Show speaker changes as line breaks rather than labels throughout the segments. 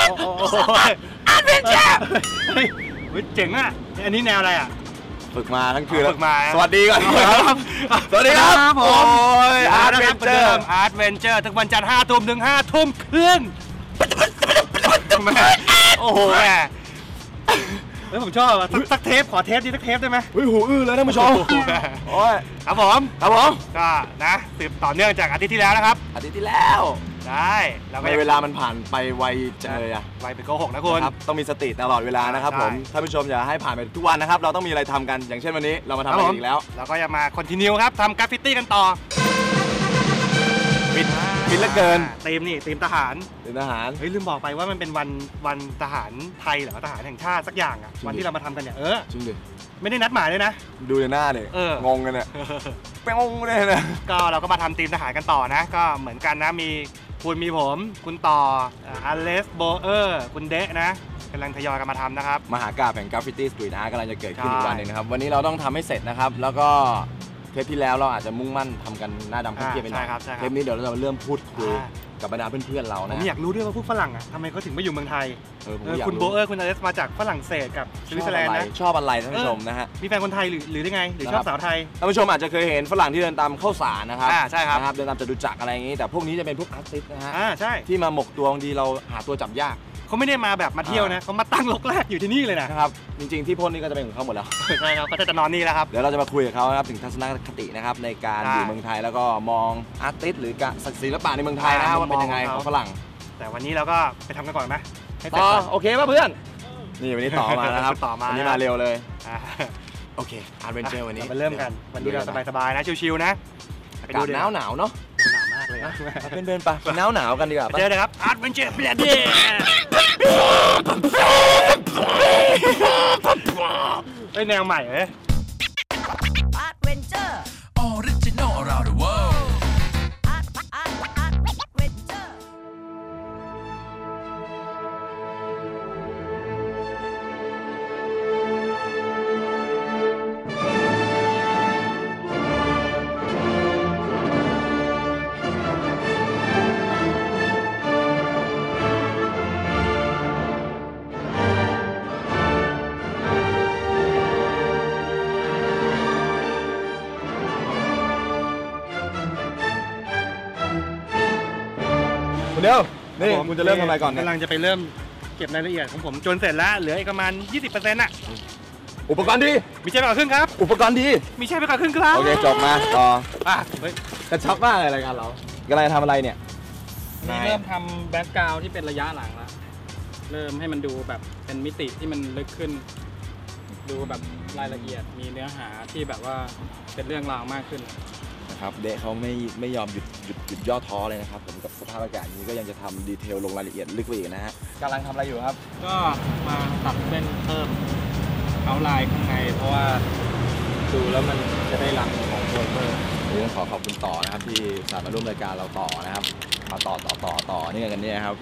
อาร์เวนเจอร์
เฮ้ยเจ๋งอ่ะอันนี้แนวอะไรอ่ะ
ฝึกมาทั้งคืน
ฝึกมา
สวัสดีก่อนครับสวัสดีครับผมอาร์เวนเจอ
ร์ทุกวันจันทร์5 ทุ่มถึง5 ทุ่มครึ่งโอ้โหแม่เฮ้ยผมชอบสักเทปขอเทปนี้สักเทปได้ไหม
เฮ้ยหูอื้อเลยท่านผู้ชมโอ้ย
ครับผมก็นะสืบต่อเนื่องจากอาทิตย์ที่แล้วนะครับ
อาทิตย์ที่แล้ว
ได้แล้ว
เวลามันผ่านไปไวจังเลยอะ
ไวไปโกหกนะคุณ
ต้องมีสติตลอดเวลานะครับผมท่านผู้ชมอย่าให้ผ่านไปทุกวันนะครับเราต้องมีอะไรทำกันอย่างเช่นวันนี้เรามาทำอะไรอีกแล้ว
เราก็จะมาคอนติเนียครับทำกราฟฟิตี้กันต่อ
ปิดเหลือเกิน
ทีมทหารเฮ้ยลืมบอกไปว่ามันเป็นวันทหารไทยหรือทหารแห่งชาติสักอย่างอ่ะวันที่เรามาทำกันเนี่ย
จริงดิ
ไม่ได้นัดหมายเลยนะ
ดูในหน้าเลยงงกันเนี่ยงงเลยนะ
ก็เราก็มาทำทีมทหารกันต่อนะก็เหมือนกันนะมีคุณมีผมคุณต่ออเลสโบเออร์คุณเดะนะกำลังทยอยกันมาทำนะครับ
มหากาพย์แห่งกราฟฟิตี้สตรีทอาร์ตกำลังจะเกิดขึ้นอีกวันนึงนะครับวันนี้เราต้องทำให้เสร็จนะครับแล้วก็เทปที่แล้วเราอาจจะมุ่งมั่นทำกันหน้าดำเครียดไปหน่อยเทปนี้เดี๋ยวเราจะเริ่มพูดคุยกับบรรดาเพื่อนๆเรานะ
ผมอยากรู้ด้วยว่าพวกฝรั่งอ่ะทำไมเขาถึงมาอยู่เมืองไทยคุณโบเออร์คุณอเลสมาจากฝรั่งเศสกับสวิตเซอร์แลนด์นะ
ชอบอะไรท่านผู้ชมนะฮะ
มีแฟนคนไทยหรือได้ไงหรือชอบสาวไทย
ท่านผู้ชมอาจจะเคยเห็นฝรั่งที่เดินตามข้าวสารนะครับ
ใช่ครับ
เดินตามจตุจักรอะไรอย่างนี้แต่พวกนี้จะเป็นพวกอาร์ติสต์นะฮะ
ใช่
ที่มาหมกตัวบางทีเราหาตัวจับยาก
เขาไม่ได้มาแบบมาเที่ยวนะเขามาตั้งรกแรกอยู่ที่นี่เลย
นะครับจริงๆที่พ่นนี่ก็จะเป็นของเขาหมดแล้ว
ใช่ครับเขาจะนอนนี่แล้วครับ
เดี๋ยวเราจะมาคุยกับเขานะครับถึงทัศนคตินะครับในการอยู่เมืองไทยแล้วก็มองอาร์ติสต์หรือศิลปะในเมืองไทยนะว่าเป็นยังไงของฝรั่ง
แต่วันนี้เราก็ไปทำกันก่อนไหม
ต่อโอเคป่ะเพื่อนนี่วันนี้ต่อมานะครับวันนี้มาเร็วเลยโอเคอาร์เวนเจอร์วันนี้
มาเริ่มกันวันนี้เราสบายๆนะชิวๆนะ
อากาศหนาวเนาะ
หนาวมากเลยนะ
เดินไปหนาวกันดีกว่า
เจอเลยครับอาร์เวนเจอร์เปลี่ยนดิเฮ้ยแนวใหม่เฮ้ยอาร์เวนเจอร์ออริจินอล around the world
เดี๋ยวนี่คุณจะเริ่มทำอะไรก่อน
กำลังจะไปเริ่มเก็บรายละเอียดของผมจนเสร็จแล้วเหลืออีกประมาณ 20% อ่ะ
อุปกรณ์ดี
มีใช่ไปก่อนครึ่งครับ
อุปกรณ์ดี
มีใช่ไปก่อนครึ่งครับ
โอเคจบมาต่อกระชับมากเลยรายการเรากำลังทำอะไรเนี่ย
นี่เริ่มทำแบ็คกราวด์ที่เป็นระยะหลังแล้วเริ่มให้มันดูแบบเป็นมิติที่มันลึกขึ้นดูแบบรายละเอียดมีเนื้อหาที่แบบว่าเป็นเรื่องราวมากขึ้น
นะครับเดะเขาไม่ยอมหยุดย่อท้อเลยนะครับผมกับสภาพอากาศนี้ก็ยังจะทำดีเทลลงรายละเอียดลึกไปอีกนะฮะกำลังทำอะไรอยู่ครับ
ก็มาตัดเส้นเพิ่มเอาลายข้างในเพราะว่าดูแล้วมันจะได้รังของโปรเจกต์
ต้องขอบคุณต่อนะครับที่สามารถร่วมรายการเราต่อนะครับมาต่อนี่กันเนี่ยครับ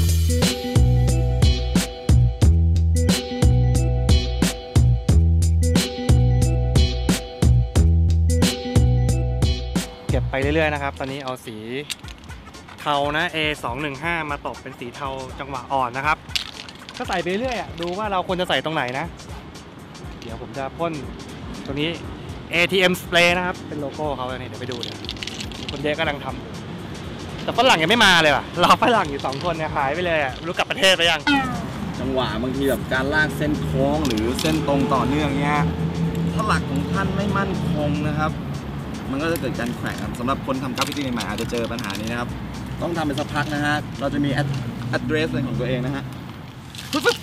เก็บไปเรื่อยๆนะครับตอนนี้เอาสีเทานะ A215 มาตบเป็นสีเทาจังหวะอ่อนนะครับก็ใส่ไปเรื่อยดูว่าเราควรจะใส่ตรงไหนนะเดี๋ยวผมจะพ่นตัวนี้ ATM Spray นะครับเป็นโลโก้เขาเนี่ยเดี๋ยวไปดูเนี่ยคนเด็กกำลังทำแต่ฝรั่งยังไม่มาเลยว่ะรอฝรั่งอยู่2 คนเนี่ยหายไปเลยรู้กลับประเทศไปยัง
จังหวะบางทีแบบการลากเส้นโค้งหรือเส้นตรงต่อเนื่องเนี้ยถ้าหลักของท่านไม่มั่นคงนะครับมันก็จะเกิดการแขว่งสำหรับคนทำกราฟฟิตี้ใหม่อาจจะเจอปัญหานี้นะครับต้องทำเป็นสักพักนะฮะเราจะมี address เป็นของตัวเองนะฮะโอ้โห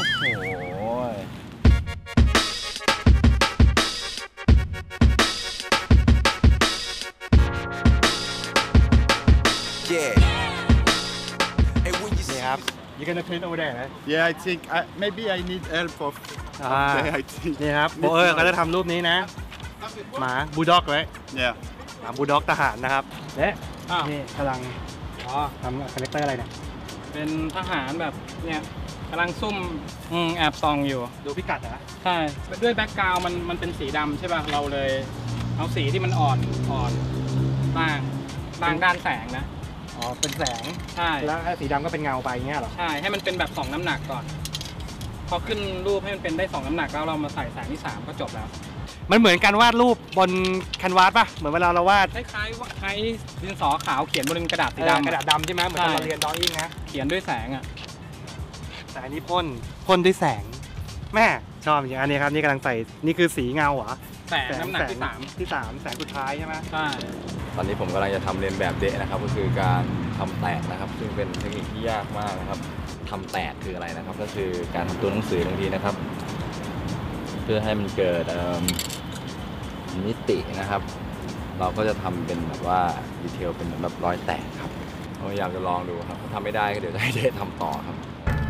นี่ครับ You gonna paint over there right?
Yeah, I think maybe I need help of.
Okay, I think. นี่ครับโบเออร์ก็จะทำรูปนี้นะหมาบูลด็อกไว้หมาบูลด็อกทหารนะครับและนี่กำลังทำคาแรคเตอร์อะไรเนี่ย
เป็นทหารแบบเนี่ยกำลังซุ่มแอบส่องอยู่
ดูพิกัดนะ
ใช่ด้วยแบ็คกราวด์มันเป็นสีดำใช่ป่ะเราเลยเอาสีที่มันอ่อนต่างด้านแสงนะ
อ๋อเป็นแสง
ใช่
แล้วสีดำก็เป็นเงาไปเงี้ยเหรอ
ใช่ให้มันเป็นแบบ2น้ำหนักก่อนพอขึ้นรูปให้มันเป็นได้2น้ำหนักแล้วเรามาใส่แสงที่3ก็จบแล้ว
มันเหมือนการวาดรูปบนแคนวาสป่ะเหมือนเวลาเราวาด
คล้ายๆว่าใช้ดินสอขาวเขียนบนกระดาษสีดำ
กระดาษดำใช่ไหมเหมือนตอนเราเรียนดรออิ่งนะ
เขียนด้วยแสงอ่ะ
แต่อันนี้พ่นด้วยแสงแม่ชอบอย่างอันนี้ครับนี่กำลังใส่นี่คือสีเงาเหรอ
แสงน้ำหนักที่
ที่3แสงสุดท้ายใช่ไหม
3ใช่
ตอนนี้ผมกำลังจะทำเรียนแบบเดะนะครับก็คือการทำแตกนะครับซึ่งเป็นเทคนิคที่ยากมากนะครับทำแตกคืออะไรนะครับก็คือการทำตัวหนังสือบางทีนะครับ เพื่อให้มันเกิดมิตินะครับ เราก็จะทำเป็นแบบว่าดีเทลเป็นแบบรอยแตกครับพยายามจะลองดูครับถ้าทำไม่ได้ก็เดี๋ยวจะให้เดะทำต่อครับ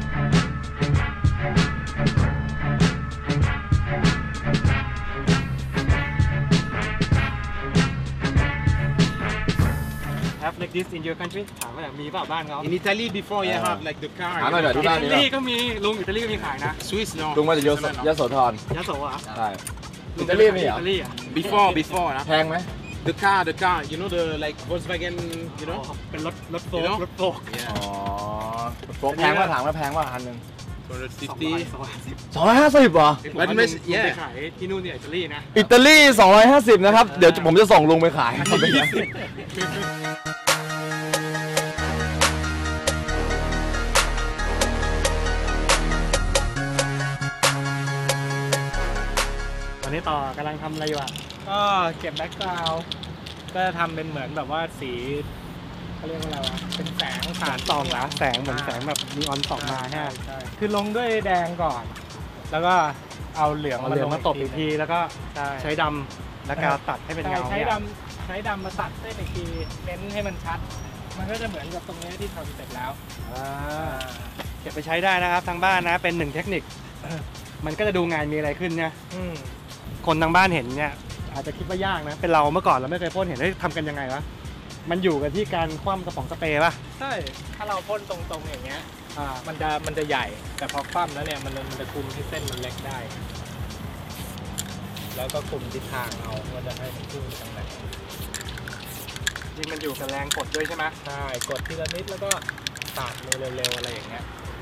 Have like this in your country ถามว่ามีเปล่าบ้านเขา
In Italy, before you have like the car.
ถามหน่อยเดี๋ยวที่บ้าน
อิ
นี้
ตาลีก็มีลุงอิตาลีก็มีขายนะ
Swiss, no.
ลุงมาจากยโสธร
ยโสอ่ะ
ใช่อิตาลีมีเหรอ
อิตาลีอ่ะ
Before, huh?
แพงไหม
The car. You know the like Volkswagen. You know.
เป็นรถโฟล์
You know?
รถโฟล์
อ๋อ
Yeah.
โฟกแพงว่าถามว่าแพงว่าคันหนึ่ง
250.
250เหรอ
But
ลุง
yeah.
ไปขายที่นู่นเนี่ยอิตาลีนะ
อิตาลี 250 นะครับ เดี๋ยวผมจะส่งลุงไปขาย
วันนี้ต่อกำลังทำอะไรอยู่อ่ะ
ก็เก็บแบ็กกราวด์ก็ทำเป็นเหมือนแบบว่าสีเขาเรียกว่าอะไรวะเป็นแสง
สารส่องนะแสงเหมือนแสงแบบนีออนส่องมาฮะ
ใช่คือลงด้วยแดงก่อน แล้วก็เอาเหลือง
เอาเหลืองมาตบอีกทีแล้วก็
ใช่
ใช้ดำและกาวตัดให้เป็นเงา
ใช้
เนี่ย
ใช้ดำมาตัดเส้นอีกทีเน้นให้มันชัด มันก็จะเหมือนกับตรงนี้ที่ทำเสร็จแล้ว
เก็บไปใช้ได้นะครับทางบ้านนะเป็นหนึ่งเทคนิค มันก็จะดูงานมีอะไรขึ้นเนี่ย
อืม
คนทางบ้านเห็นเนี่ยอาจจะคิดว่ายากนะเป็นเราเมื่อก่อนเราไม่เคยพ่นเห็นได้ทำกันยังไงวะมันอยู่กันที่การคว่ำกระป๋องสเปรย์ป่ะ
ใช่ถ้าเราพ่นตรงๆอย่างเงี้ยมันจะใหญ่ แต่พอคว่ำแล้วเนี่ยมันจะคุมที่เส้นมันเล็กได้ แล้วก็คุมทิศทางเอาว่าจะให้มันพุ่งไปทางไหน
จริงมันอยู่กับแรงกดด้วยใช่ไหม
ใช่กดทีละนิดแล้วก็ปาดมือเร็วๆอะไรอย่างเงี้ย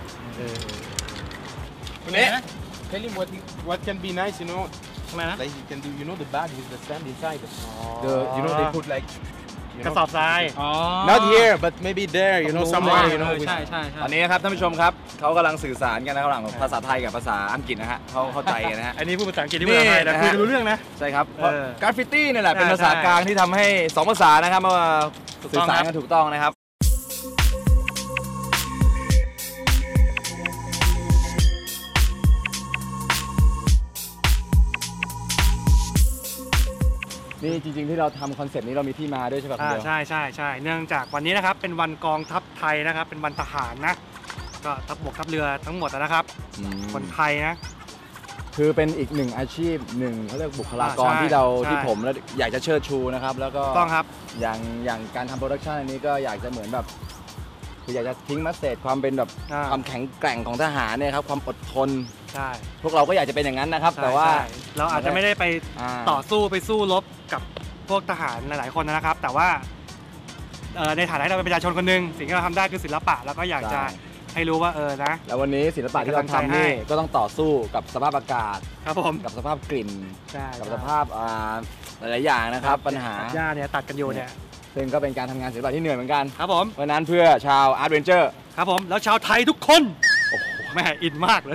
Yeah. Tell him what can be nice, you know.
ใช่ไหมนะ
Like you can do, you know, the bag with the sand inside.
The
You know, they put like.
กระสอบทราย
อ๋อ
Not here, but maybe there. You know,
ตรงนู้น
somewhere. You know.
ใช่ใช่
ตอนนี้นะครับท่านผู้ชมครับเขากำลังสื่อสารกันนะครับระหว่างภาษาไทยกับภาษาอังกฤษนะฮะเขาเข้าใจกันนะฮะ
อันนี้พูดภาษาอังกฤษที่ภาษาไทยแต่คุยกันรู้เรื่องนะ
ใช่ครับ
เออก
ราฟฟิตี้นี่แหละเป็น
ใช่
ภาษากลางที่ทำให้สองภาษานะครับมา
ถูก
สื่
ต้
อ
อง
สาร
ครับ
กันถูกต้องนะครับ นี่จริงๆที่เราทำคอนเซปต์นี้เรามีที่มาด้วยใช่ไหมคุณเดียว
ใช่ใช่ใช่เนื่องจากวันนี้นะครับเป็นวันกองทัพไทยนะครับเป็นวันทหารนะก็ทัพบกทัพเรือทั้งหมดนะครับ คนไทยนะ
คือเป็นอีกหนึ่งอาชีพหนึ่งเขาเรียกบุคลากร
ใช่
ที่เรา
ใช่
ที่ผมแล้วอยากจะเชิดชูนะครับแล้วก็
ถูกต้องครับ
อย่างการทำโปรดักชันอันนี้ก็อยากจะเหมือนแบบคืออยากจะทิ้งมัสเซจความเป็นแบบ
อ่า
ความแข็งแกร่งของทหารเนี่ยครับความอดทน
ใช่
พวกเราก็อยากจะเป็นอย่างนั้นนะครับ
ใช่
แต่ว่า
ใช่เราอาจจะไม่ได้ไป
า
ต่อสู้ไปสู้รบกับพวกทหารหลายๆคนนะครับ แต่ว่าในฐานะที่เราเป็นประชาชนคนหนึ่งสิ่งที่เราทำได้คือศิลปะแล้วก็อยากจะให้รู้ว่านะ
แล้ววันนี้ศิลปะที่เรา
เป็นกำลังใจ
ทำนี่
ให้
ก็ต้องต่อสู้กับสภาพอากาศ
ครับผม
กับสภาพกลิ่น
ใช่
กับสภาพหลายๆอย่างนะครับปัญหา
หญ้าเนี่ยตัดกันอยู่เนี่ย
ซึ่งก็เป็นการทำงานศิลปะที่เหนื่อยเหมือนกัน
ครับผม
เพราะฉะนั้นเพื่อชาวอาร์ตเวนเจอร์
ครับผมแล้วชาวไทยทุกคนโอ้โหแม่อินมากเลย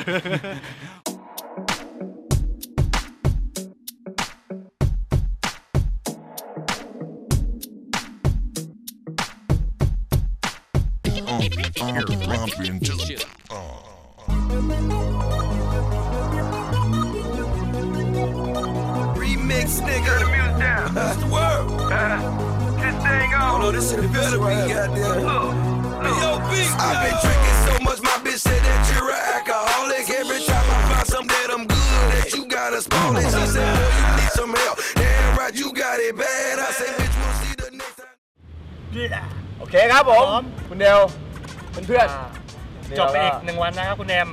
romping to the
Remix, nigga. Turn the music down. That's the word. This thing on. Oh, no, this shit better be goddamn. B.O.B. I've been drinking so much, my bitch said that you're an alcoholic. Every time I find something that I'm good at, you gotta spoil it. She said, boy, you need some help. Damn right, you got it bad. I said, bitch, we'll see the next time.
โอเคครับผม คุณเดวเพื่อนๆ
จบไปอีก1 วันนะครับคุณแอม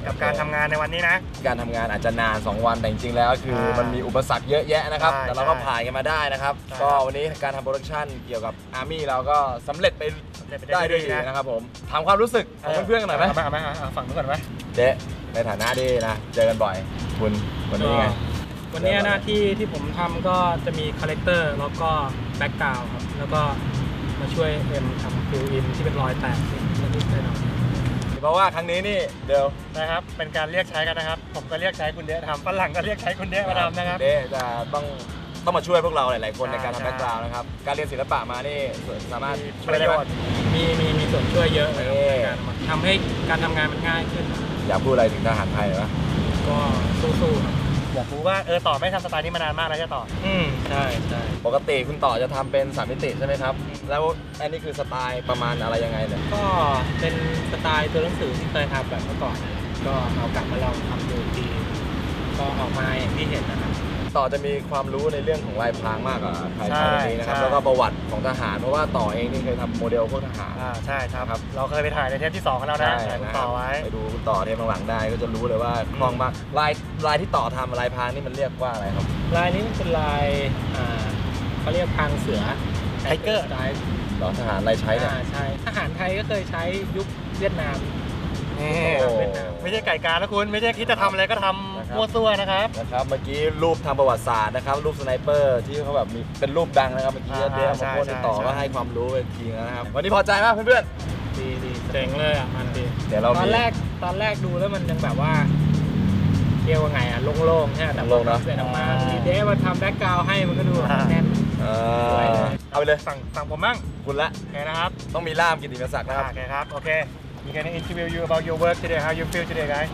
กับการทำงานในวันนี้นะ
การทำงานอาจจะนาน 2 วันแต่จริงๆแล้วคือมันมีอุปสรรคเยอะแยะนะครับ
ใช่
แต่เราก็ผ่านกันมาได้นะครับ
ใช่
ก็วันนี้การทำโปรดักชันเกี่ยวกับ Army เราก็สำเร็จไปได้ด้วยดีนะครับผมถามความรู้สึกของเพื่อนๆกันหน่อยไหม
เอามาฝั่งนู้นก่อนไหม
เจ๊ในฐานะดีนะเจอกันบ่อยคุณวันนี้ไง
วันนี้หน้าที่ที่ผมทำก็จะมีคาแรคเตอร์แล้วก็แบ็กกราวด์ครับแล้วก็มาช่วยเอ็มทำฟิลอินที่เป็นรอยแตกนิดๆหน่อย
เพราะว่าครั้งนี้นี่เดี๋ยว
นะครับเป็นการเรียกใช้กันนะครับผมก็เรียกใช้คุณเดะทำฝรั่งก็เรียกใช้คุณเดะมาทำนะครับ
เดะจะต้องมาช่วยพวกเราหลายๆคน
ใช่
ในการทำแบ็กกราวด์นะครับการเรียนศิลปะมานี่สามารถ
ช่วยได้ไหม
มีส่วนช่วยเยอะเลยครับ
เอ๊ะ
ในการทำให้การทำงานมันง่ายขึ้น
อยากพูดอะไรถึงทหารไทยหรือเปล่า
ก็สู้ๆครับ
อยากรู้ว่าต่อไม่ทำสไตล์นี้มานานมากแล้วจะต่อ
ใช่ใช่
ปกติคุณต่อจะทำเป็น3มิติใช่ไหมครับแล้วอันนี้คือสไตล์ประมาณอะไรยังไงเนี่ย
ก็เป็นสไตล์ตัวหนังสือที่เคยทำแบบเมื่อก่อนนะก็เอากลับมาลองทำดูทีก็ออกมาอย่างที่เห็นนะครับ
ต่อจะมีความรู้ในเรื่องของลายพรางมากกว่าใคร
ใช่
ในนี้นะครับ
ใช่
แล้วก็ประวัติของทหารเพราะว่าต่อเองนี่เคยทำโมเดลพวกทหาร
ใช่ครับ
ครับ
เราเคยไปถ่ายในเทปที่2กันแล้วนะถ่ายคุณต่อไว้
ไปดูคุณต่อเทปข้างหลังได้ก็จะรู้เลยว่าคล่องมากลายที่ต่อทำลายพรางนี่มันเรียกว่าอะไรครับ
ลายนี้มันเป็นลายเขาเรียกพรางเสือ
Tiger
สไตล์
ต่อทหารลายใช้เนี่ย
ใช่ทหารไทยก็เคยใช้ยุคเวียดนาม
นี่
โอ้
ไม่ใช่ไก่การนะคุณไม่ใช่คิดจะทำอะไรก็ทำมั่วซั่วนะครับ
นะครับเมื่อกี้รูปทางประวัติศาสตร์นะครับรูปสไนเปอร์ที่เขาแบบมีเป็นรูปดังนะครับเมื่อกี้
อ่า
เดียวมา
ใช่
โพสต์ติดต่อ
ใช่
ก็ให้ความรู้ไปทีนะครับวันนี้พอใจมากเพื่อน
ดีเจ๋งเลยอ่ะมันดี
ๆเดี๋ยวเรา
ตอน
มี
แรกดูแล้วมันยังแบบว่าเรียกว่าไงอ่ะโล่งๆใช่ไหมแต่
โล่งๆเนอะ
เสร็จออกมามีเดฟมาทำแบ็กกราวด์ให้มันก็ดูแน่น สวยเลย
เอาไปเลย
สั่งผมมั่ง
คุณละ
โอเคนะครับ
ต้องมีล่ามกิตติมศักดิ์นะครับ
โอเคครับโอเค we can interview you about your work today how you feel today guys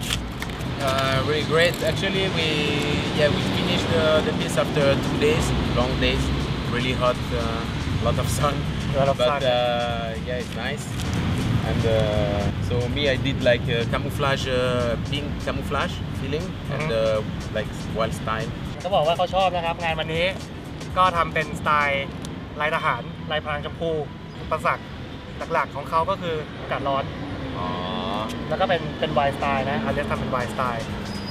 Really great. Actually, we finished the piece after 2 days, long days, really hot, lot of sun.
A lot of
but
sun.
Yeah, it's nice. And so me, I did like camouflage, pink camouflage feeling, and like wild style.
เขาบอกว่าเขาชอบนะครับงานวันนี้ก็ทำเป็นสไตล์ลายทหารลายพรางชมพูอุปสรรคหลักๆของเขาก็คืออากาศร้อน
อ๋อ
แล้วก็เป็นวายสไตล์นะอาจจะทำเป็นวายสไตล์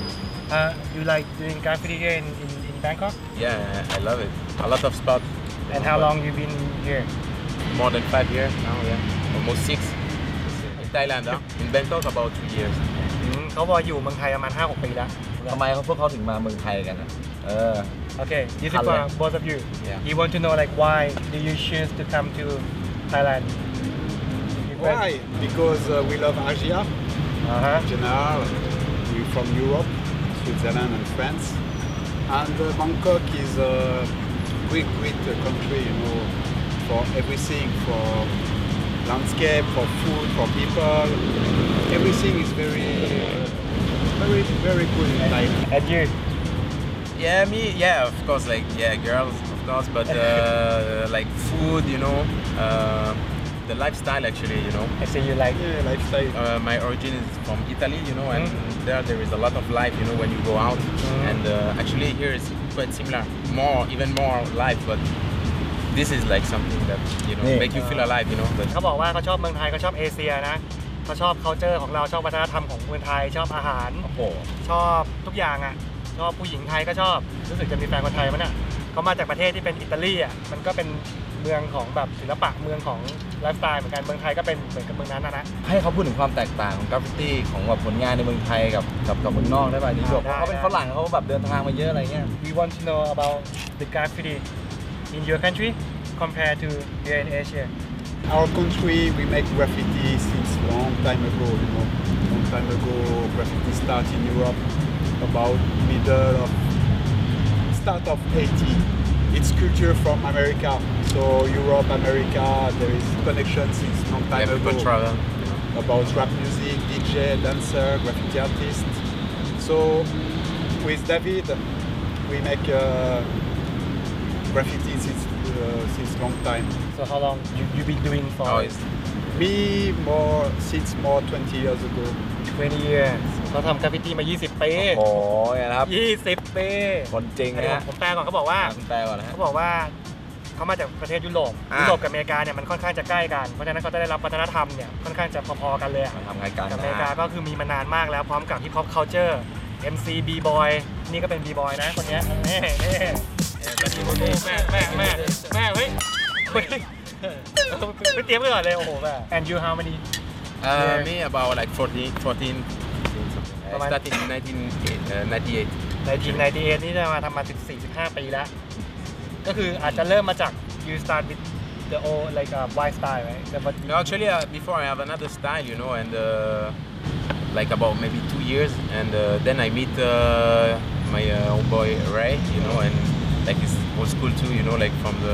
you like doing graffiti here in Bangkok
Yeah, I love it. A lot of spots.
and how long you been here
More than 5 years now. Yeah, almost 6. In Thailand, in Bangkok, about 2 years.
เขาบอกอยู่เมืองไทยประมาณ 5-6 ปีแล้ว
ทำไมพวกเขาถึงมาเมืองไทยกันนะ
Okay this is for both of you
Yeah.
you want to know like why do you choose to come to Thailand
Why? Because we love Asia
Uh-huh.
in general. We're from Europe, Switzerland, and France. And Bangkok is a great country, you know, for everything, for landscape, for food, for people. Everything is very good in Thailand.
and you
Yeah, me, yeah, of course, like, yeah, girls, of course, but like food, you know, the lifestyle actually, you know.
I see you like
Yeah, lifestyle.
My origin is from Italy, you know, and there is a lot of life, you know, when you go out. And actually here is quite similar, even more life, but this is like something that, you know,
Yeah.
make you feel alive, you know. But
เขาบอกว่าเขาชอบเมืองไทยเขาชอบเอเชียนะเขาชอบ culture ของเราชอบวัฒนธรรมของเมืองไทยชอบอาหาร
โอ้โห
ชอบทุกอย่างอ่ะชอบผู้หญิงไทยก็ชอบรู้สึกจะมีแฟนคนไทยมั้ยน่ะเขามาจากประเทศที่เป็นอิตาลีอ่ะมันก็เป็นเมืองของแบบศิลปะเมืองของไลฟ์สไตล์เหมือนกันเมืองไทยก็เป็นเหมือนกับเมืองนั้นนะ
ให้เขาพูดถึงความแตกต่างของกราฟฟิตี้ของแบบผลงานในเมืองไทยกับเมืองนอกได้ป่ะนี่แบบเขาเป็นฝรั่งเขาแบบเดินทางมาเยอะอะไรเงี้ย
We want to know about the graffiti in your country compared to here in Asia
Our country, we make graffiti since long time ago, you know. Long time ago, graffiti start in Europe about start of 80. It's culture from America. So Europe, America, there is connection since long time
yeah, people
ago
travel.
about rap music, DJ, dancer, graffiti artist. So with David, we make graffiti since long time.
So how long you been doing for
Oh, it's
Me since 20 years ago.
20 years เขาทำกราฟฟิตี้มา 20 ปี
โอ้โหไงนะครับ
20 ปี
คนจริงนะฮะ
ผมแปลก่อนเขาบอกว่า
คุณแปลก่อนนะฮะ
เขาบอกว่าเขามาจากประเทศยุโรปกับอเมริกาเนี่ยมันค่อนข้างจะใกล้กันเพราะฉะนั้นเขาจะได้รับวัฒนธรรมเนี่ยค่อนข้างจะพอๆกันเลย
มันทำไงกัน
กับอเมริกาก็คือมีมานานมากแล้วพร้อมกับ Hip Hop Culture MC B-boy นี่ก็เป็น B-boy นะคนเนี้ยนี่แม่เฮ้ยไม่เตรียมกันก่อนเลยโอ้โหแบบ And you how many
Me about like 14 something. I started in 1998.
1998นี่จะมาทำมา14-15 ปีแล้วก็คืออาจจะเริ่มมาจาก you start with the old like white style right
No, actually, before I have another style, you know, and like about maybe 2 years, and then I meet my old boy Ray, you know, and like it's old school too, you know, like from the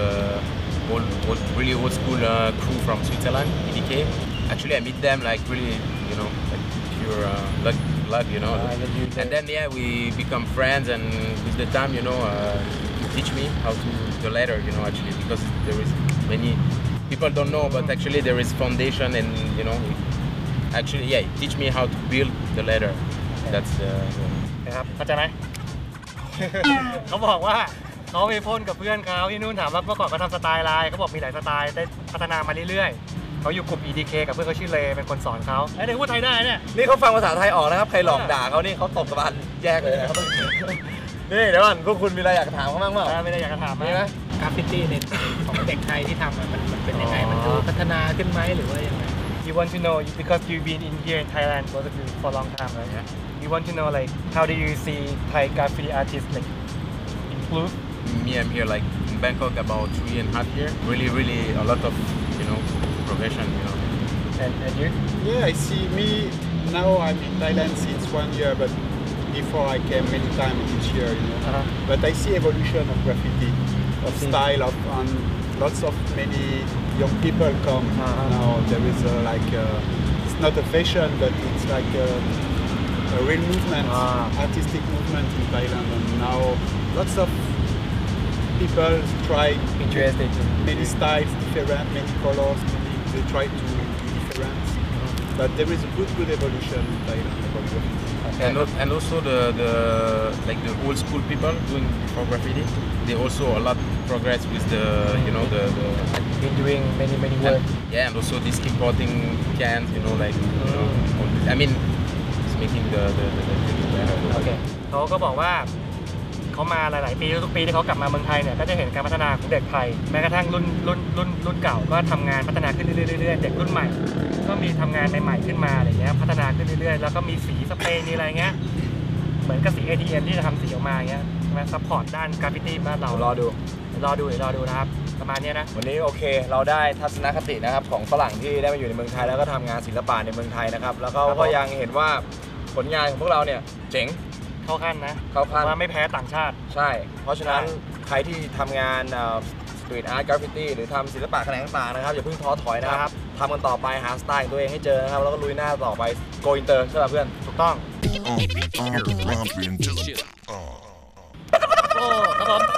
really old school crew from Switzerland, EDK. Actually, I meet them like really, you know, like pure luck, you know. And then yeah, we become friends, and with the time, you know, he teach me how to the ladder, you know, actually, because there is many people don't know, but actually there is foundation, and you know, actually yeah, he teach me how to build the ladder. That's
นะครับเข้าใจไหม เขาบอกว่าเขาไปพ่นกับเพื่อนเขาที่นู่นถามว่าเมื่อก่อนเขาทำสไตล์อะไรเขาบอกมีหลายสไตล์ได้พัฒนามาเรื่อยๆเขาอยู่กลุ่ม EDK กับเพื่อนเขาชื่อเลเป็นคนสอนเขาไอ้เด็กพูดไทยได้เนี่ย
นี่เขาฟังภาษาไทยออกนะครับใครหลอกด่าเขานี่เขาตบกระบาลแยกเลยนะครับนี่เดี๋ยวก่อนพวกคุณมีอะไรอยากถามเขาบ้างเปล่า
ไม่ได้อยากจะถาม
มีไหม
กราฟฟิตี้ในของเด็กไทยที่ทำมันเป็นยังไงมันดูพัฒนาขึ้นไหมหรือว่ายังไง
You want to know because you've been in here in Thailand for a long time right you want to know like how do you see Thai graffiti artists like improve
me. I'm here like in Bangkok about 3.5 years. Really a lot of, you know, progression, you know.
and you
Yeah, I see me now. I'm in Thailand since 1 year, but before I came many times each year, you know. But I see evolution of graffiti, of style, of and lots of many young people come now. There is it's not a fashion, but it's like a real movement, artistic movement in Thailand, and now lots of people try
interested in
many styles, different, many colors. They try to do different, but there is a good evolution in Thailand about graffiti.
And also the like the old school people doing for graffiti, they also a lot progress with the, you know, the
been doing many work
yeah, and also this importing cans, you know, like you know, I mean, it's making the
โอเคเขาก็บอกว่าเขามาหลายๆปีทุกปีที่เขากลับมาเมืองไทยเนี่ยก็จะเห็นการพัฒนาของเด็กไทยแม้กระทั่งรุ่นเก่าก็ทำงานพัฒนาขึ้นเรื่อยๆเด็กรุ่นใหม่ก็มีทำงานใหม่ๆขึ้นมาอะไรเงี้ยพัฒนาขึ้นเรื่อยๆแล้วก็มีสีสเปรย์มีอะไรเงี้ยเหมือนกับสี ATM ที่จะทำสีออกมาเงี้ยมาซัพพอร์ตด้านกราฟฟิตี้บ้านเรารอดูนะครับประมาณนี้นะ
วันนี้โอเคเราได้ทัศนคตินะครับของฝรั่งที่ได้มาอยู่ในเมืองไทยแล้วก็ทำงานศิลปะในเมืองไทยนะครับแล้วก็ยังเห็นว่าผลงานของพวกเราเนี่ยเจ๋ง
เข้าขั้นนะว่าไม่แพ้ต่างชาติ
ใช่เพราะฉะนั้นใครที่ทำงานสตรีทอาร์ตกราฟฟิตี้หรือทำศิลปะแขนงต่างๆนะครับอย่าเพิ่งท้อถอยนะครับทำกันต่อไปหาสไตล์ของตัวเองให้เจอนะครับแล้วก็ลุยหน้าต่อไปโกอินเตอร์ใช่ป่ะเพื่อน
ถูกต้องโอ้ครับผม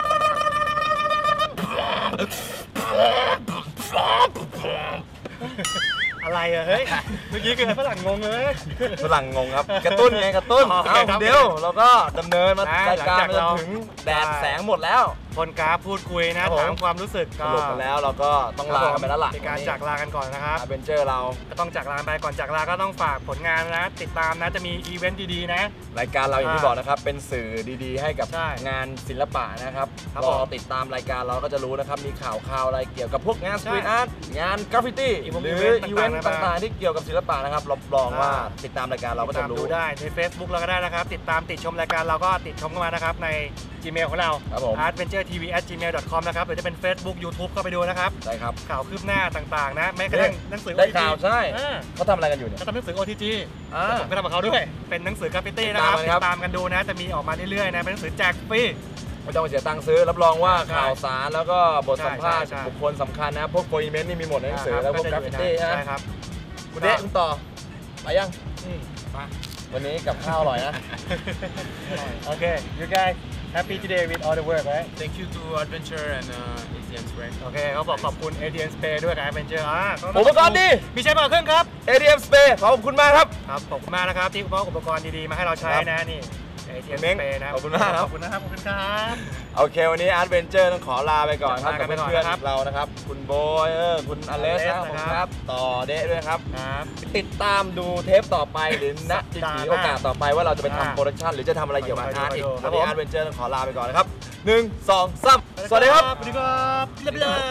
อะไรอะเฮ้ยเมื่อกี้คือฝรั่งงงเลย
ฝรั่งงงครับกระตุ้นไงกระตุ้นเดี๋ยวเราก็ดำเนินมารายการจนถึงแดดแสงหมดแล้ว
คนกราฟพูดคุยนะถามความรู้สึก
สรุปกันแล้วเราก็ต้องลากันไปแล้วล่ะ
ในการจากลากันก่อนนะครับ
อเวนเจอร์เรา
ก็ต้องจากลาไปก่อนจากลาก็ต้องฝากผลงานนะติดตามนะจะมีอีเวนต์ดีๆนะ
รายการเราอย่างที่บอกนะครับเป็นสื่อดีๆให้กับงานศิลปะนะครับรอติดตามรายการเราก็จะรู้นะครับมีข่าวอะไรเกี่ยวกับพวกงานสตรีทอาร์ตงานกราฟฟิตี้หรืออีเวนต์ต่างๆที่เกี่ยวกับศิลปะนะครับรับรองว่าติดตามรายการเราก็จะรู้
ดูได้ใน Facebook เราก็ได้นะครับติดตามติดชมรายการเราก็ติดชมเข้ามานะครับใน Gmail ของเรา artventuretv@gmail.com นะครับหรือจะเป็น Facebook YouTube เข้าไปดูนะครับ
ใช่ครับ
ข่าวคืบหน้าต่างๆนะแม้กระทั่งหนังสือ
ได้ข่าวใช่เขาทำอะไรกันอยู่เนี่ย
เขาทำหนังสือ OTG ผมก็ทำกับเขาด้วยเป็นหนังสือกราฟฟิตี้นะครับติดตามกันดูนะจะมีออกมาเรื่อยๆนะเป็นหนังสือแจกฟรี
ไม่ต้องเสียตังค์ซื้อรับรองว่าข่าวสารแล้วก็บทสัมภาษณ์บุคคลสำคัญนะพวกโปรอีเมนต์นี่มีหมดในหนังสือแล้วพวกกราฟฟิตี้
นะครับ
คุณเดะคุณต่อไปยังวันนี้กับข้าวอร่อยนะ
โอเค you guys happy today with all the work right
thank you to Adventure and ATM Spray
โอเคเขาบอกขอบคุณ ATM Spray ด้วยกับ Adventure
อุปกรณ์ดี
มีใช้มาเครื่องครับ
ATM Spray ขอบคุณมากครับ
ครับขอบคุณมากนะครับที่มอบอุปกรณ์ดีๆมาให้เราใช้นะนี่เอเชียน
เม้ง
สเปนนะ
ขอบคุณมากครับ
ขอบคุณนะครับขอบคุณครับ
โอเควันนี้อาร์ตเวนเจอร์ต้องขอลาไปก่อนครับ
ลากั
กับ
นไปก่อน
เพื่อน
นะครับ
ๆเรานะครับคุณโบยคุณอเลสนะ
อ
ข
เล
อบ
ส
คุณ
นะครับ
ครับต่อเดะด้วยครับ
ครับ
ติดตามดูเทปต่อไปหรือณจะมีโอกาสต่อไปว่าเราจะไปทำโปรดักชันหรือจะทำอะไรเกี่ยวกับอาร์ตอีก
ครั
วัน
บผม
นี้อาร์ตเวนเจอร์ต้องขอลาไปก่อนนะครับ1 2 3สวัสดีครับ
สวัสดีครับเรียบร้อย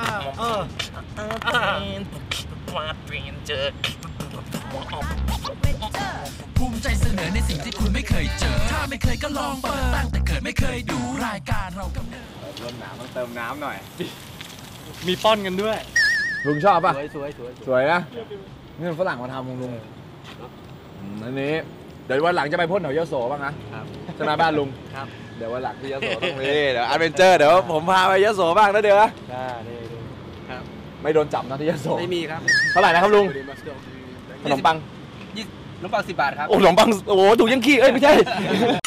ภูมิใจเสนอในสิ่งที่คุณไม่เคยเจอ ถ้าไม่เคยก็ลองเปิดตั้งแต่เกิดไม่เคยดูรายการเรากำเนิด
เริ่มหนาวต้องเติมน้ำหน่อย
มีป้อนกันด้วย
ลุงชอบป่ะ
สวย
สวยนะนี่มันฝรั่งมาทำลุงอันนี้เดี๋ยววันหลังจะไปพ่นแถวยโสบ้างนะครับ ใช่ไหมบ้านลุง
ครับ
เดี๋ยววันหลังที่ยโสต้องมีเดี๋ยวอาร์เวนเจอร์เดี๋ยวผมพาไปยโสบ้างนะเดี๋ยวนะ
นี่ครับ
ไม่โดนจับนะที่ยโส
ไม่มีครับ
เท่าไหร่นะครับลุงขนมปัง
น้ำปัง10 บาทครับ
โอ้ขนมปังโอ้โหถูกยังขี้เอ้ยไม่ใช่